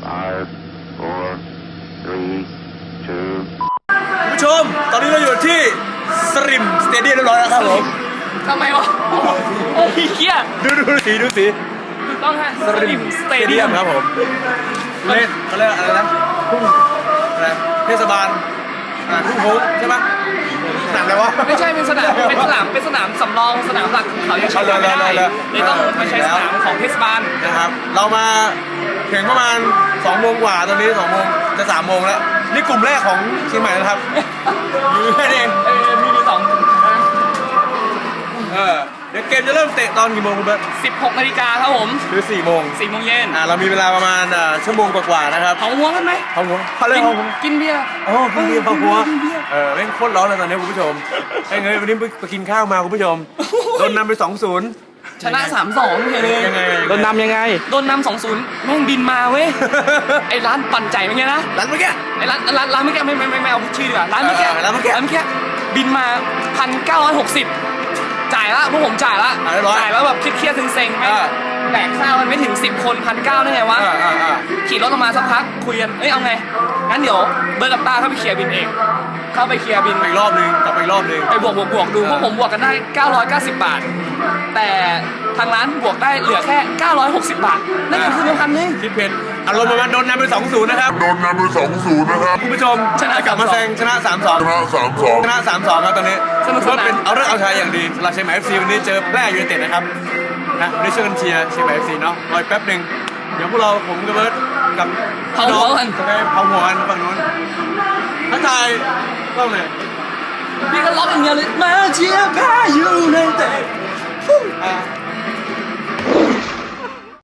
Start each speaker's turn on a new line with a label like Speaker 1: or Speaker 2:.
Speaker 1: 5, 4, 3, 2.
Speaker 2: ผู้ชมตอนนี้เราอยู่ที่สริมสเตเดียมเรียบร้อยแล้วครับผม
Speaker 3: ทำไมวะโอ้พี่เคีย
Speaker 2: ดูสี
Speaker 3: ถูกต้องฮะสลิมสเตเดียม
Speaker 2: ครับผมเล่นเขาเรียกอะไรนะทุ่งอะไรเทศบาลทุ่งโฮงใช่ปะสนามอะไรวะ
Speaker 3: ไม่ใช่เป็นสนามสำรองสนามหลักของเขายังใช้ไม่ได้เลยต้องมาใช้สนามของเทศบาล
Speaker 2: นะครับเรามาถึงประมาณ2 โมงกว่าตอนนี้2 โมงจะ3 โมงแล้วนี่กลุ่มแรกของเชียงใหม่นะครับมีแค่นี้เอง
Speaker 3: มีสอง
Speaker 2: เดี๋ยวเกมจะเริ่มเตะตอนกี่โมงคุณเบิร์ต
Speaker 3: 16 นาฬิกาครับผม
Speaker 2: หรือ4 โมง
Speaker 3: 4 โมงเย็น
Speaker 2: เรามีเวลาประมาณชั่วโมงกว่าๆนะครับ
Speaker 3: เผาหัวกันไหม
Speaker 2: เขาหัวเขาเล่นเขาหัว
Speaker 3: กินเบียร์
Speaker 2: โอ้กินเบียร์เขาหัวแม่งโคตรร้อนเลยตอนนี้คุณผู้ชมไอ้เงยวันนี้ไปกินข้าวมาคุณผู้ชมโดนนำไป 2-0
Speaker 3: ชนะ 3-2เลย
Speaker 2: ยังไง
Speaker 4: โดนนำยังไง
Speaker 3: โดนนำ 2-0 แม่งบินมาเว้ย ไอ้ร้านปั่นใจเมื่อกี้นะ
Speaker 2: หลังเมื่อกี้
Speaker 3: ไอ้ร้านเมื่อกี้ไม่เอาชื่อดีกว่าร้านเมื่อกี้
Speaker 2: ร้านเมื่อกี้
Speaker 3: บินมา 1,960 จ่ายละพวกผมจ่ายละ
Speaker 2: เรียบร้อย
Speaker 3: จ่ายแล้วแบบเครียดๆเซ็งๆไม่แบกข้าวมันไม่ถึง10 คน 1,900ได้ไงวะขี่รถออกมาสักพักคุยกันเอาไงงั้นเดี๋ยวเบิร์ดกับต้าเข้าไปเคลียร์บินเองเข้าไปเคลียร์บิน
Speaker 2: อีกรอบนึงกลับไปอีกรอบนึง
Speaker 3: ไปบวกดูพวกผมบวกกันได้ 990 บาท แต่ทางร้านบวกได้เหลือแค่ 960 บาทนั่นก็คือ1,000นึง
Speaker 2: คิดเพนอารมณ์ประมาณโดนนำไป 2-0 นะครับ
Speaker 5: โดนนำไป2-0 นะครับ
Speaker 2: คุณผู้ชม
Speaker 3: ชนะ
Speaker 2: กลับมา
Speaker 3: 3-2
Speaker 2: แซงชนะ 3-2
Speaker 5: ชนะ 3-2
Speaker 2: ชนะ 3-2 ครับตอนนี้
Speaker 3: สนุกสนาน
Speaker 2: เป็นเอาเรื่องเอาชัยอย่างดีสำหรับเชียงใหม่ FC วันนี้เจอแพร่ยูไนเต็ดนะครับนะได้ช่วยกันเชียร์เชียงใหม่ FC เนาะรออีกแป๊บหนึ่งเดี๋ยวพวกเราผมกับเบิร์ดกับ
Speaker 3: เผาหัวกัน
Speaker 2: จะไปเผาหัวกันฝั่งนู้นทักทายต้องเลย
Speaker 3: พี่ก็ล็อกอย่างเงี้ยเลยมาเชียร์แพ้ยูไนเต็ด
Speaker 2: อ่า